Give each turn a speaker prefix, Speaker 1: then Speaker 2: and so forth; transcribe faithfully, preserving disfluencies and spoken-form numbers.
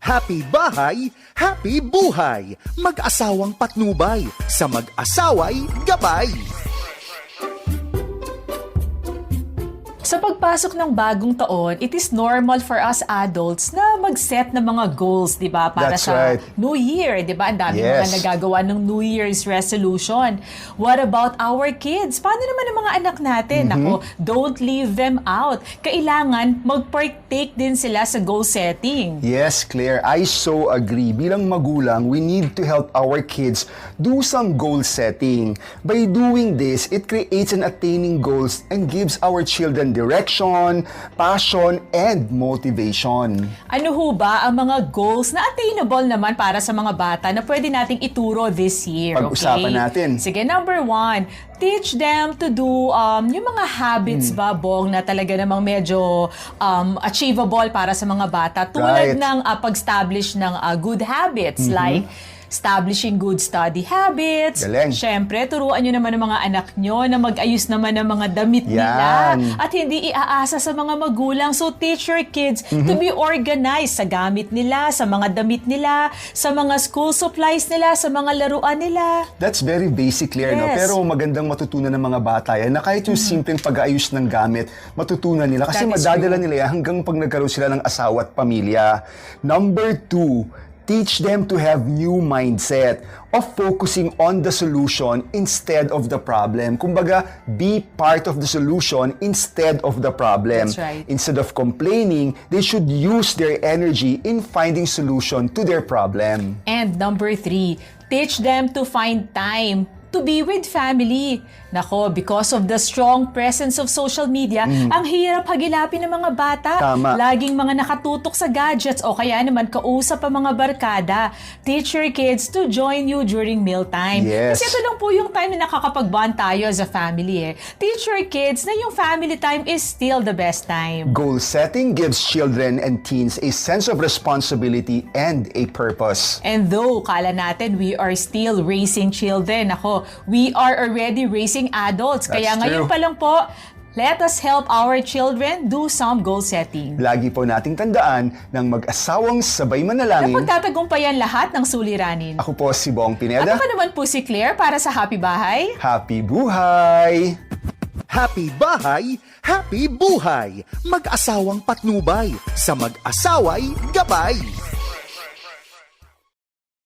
Speaker 1: Happy bahay, happy buhay. Mag-asawang patnubay, sa mag-asaway gabay.
Speaker 2: Sa pagpasok ng bagong taon, it is normal for us adults na mag-set ng mga goals, di ba? Para
Speaker 3: That's
Speaker 2: sa
Speaker 3: right.
Speaker 2: New Year, di ba? Ang dami
Speaker 3: Yes.
Speaker 2: mga nagagawa ng New Year's resolution. What about our kids? Paano naman ang mga anak natin?
Speaker 3: Mm-hmm.
Speaker 2: Ako, don't leave them out. Kailangan mag-partake din sila sa goal setting.
Speaker 3: Yes, Claire, I so agree. Bilang magulang, we need to help our kids do some goal setting. By doing this, it creates an attaining goals and gives our children direction, passion, and motivation.
Speaker 2: Ano ho ba ang mga goals na attainable naman para sa mga bata na pwede nating ituro this year?
Speaker 3: Pag-usapan
Speaker 2: okay?
Speaker 3: natin.
Speaker 2: Sige, number one, teach them to do um, yung mga habits
Speaker 3: Hmm.
Speaker 2: ba, Bong, na talaga namang medyo um, achievable para sa mga bata. Tulad
Speaker 3: Right.
Speaker 2: ng uh, pag-establish ng uh, good habits like establishing good study habits.
Speaker 3: Galing.
Speaker 2: Siyempre, turuan nyo naman ng mga anak nyo na mag-ayos naman ng mga damit nila
Speaker 3: Yan.
Speaker 2: at hindi iaasa sa mga magulang. So, teach your kids to be organized sa gamit nila, sa mga damit nila, sa mga school supplies nila, sa mga laruan nila.
Speaker 3: That's very basic, Claire, no?
Speaker 2: Yes.
Speaker 3: Pero magandang matutunan ng mga bata yan na kahit yung simpleng pag-aayos ng gamit, matutunan nila. Kasi
Speaker 2: That is
Speaker 3: madadala
Speaker 2: true.
Speaker 3: nila yan hanggang pag nagkaroon sila ng asawa at pamilya. Number two, teach them to have new mindset of focusing on the solution instead of the problem. Kumbaga, be part of the solution instead of the problem.
Speaker 2: That's right.
Speaker 3: Instead of complaining, they should use their energy in finding solution to their problem.
Speaker 2: And number three, teach them to find time to be with family. Nako, because of the strong presence of social media, ang hirap hagilapin ng mga bata.
Speaker 3: Tama.
Speaker 2: Laging mga nakatutok sa gadgets o kaya naman kausap ang mga barkada. Teach your kids to join you during mealtime.
Speaker 3: Yes.
Speaker 2: Kasi ito lang po yung time na nakakapag-bond tayo as a family. Eh. Teach your kids na yung family time is still the best time.
Speaker 3: Goal setting gives children and teens a sense of responsibility and a purpose.
Speaker 2: And though kala natin we are still raising children, ako, we are already raising adults. Kaya
Speaker 3: That's
Speaker 2: ngayon
Speaker 3: true.
Speaker 2: pa lang po, let us help our children do some goal setting.
Speaker 3: Lagi po nating tandaan ng mag-asawang sabay manalangin.
Speaker 2: Napagtatagumpayan lahat ng suliranin.
Speaker 3: Ako po si Bong
Speaker 2: At
Speaker 3: Pineda.
Speaker 2: ako naman po si Claire para sa Happy Bahay.
Speaker 3: Happy buhay!
Speaker 1: Happy bahay, happy buhay. Mag-asawang patnubay, sa mag-asaway gabay.